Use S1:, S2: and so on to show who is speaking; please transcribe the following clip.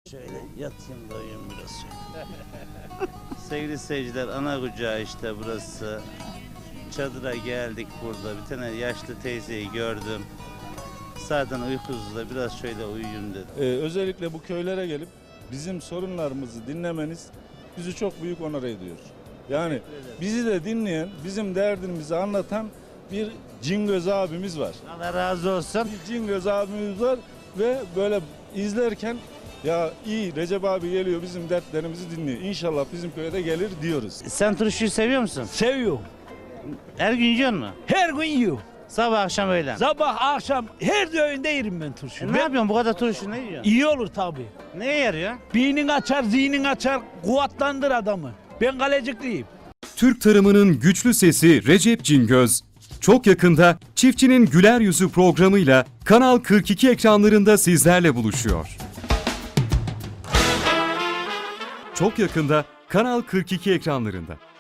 S1: Şöyle yatayım da uyuyayım biraz şöyle. Sevgili seyirciler, ana kucağı işte burası. Çadıra geldik burada. Bir tane yaşlı teyzeyi gördüm. Zaten uykusuz da biraz şöyle uyuyayım dedim.
S2: Özellikle bu köylere gelip bizim sorunlarımızı dinlemeniz bizi çok büyük onur ediyor. Yani bizi de dinleyen, bizim derdimizi anlatan bir Cingöz abimiz var.
S1: Allah razı olsun.
S2: Bir Cingöz abimiz var ve böyle izlerken ya iyi Recep abi geliyor bizim dertlerimizi dinliyor. İnşallah bizim köye de gelir diyoruz.
S1: Sen turşuyu seviyor musun?
S3: Seviyorum.
S1: Her gün yiyor musun?
S3: Her gün yiyorum.
S1: Sabah akşam öğlen.
S3: Sabah akşam her öğünde yerim ben turşu.
S1: Ne yapıyorsun bu kadar turşu, ne yiyorsun?
S3: İyi olur tabii.
S1: Neye yarıyor?
S3: Beynin açar, zihnin açar, kuvvetlendir adamı. Ben kalecikliyim.
S4: Türk tarımının güçlü sesi Recep Cingöz. Çok yakında Çiftçinin Güler Yüzü programıyla Kanal 42 ekranlarında sizlerle buluşuyor. Çok yakında Kanal 42 ekranlarında.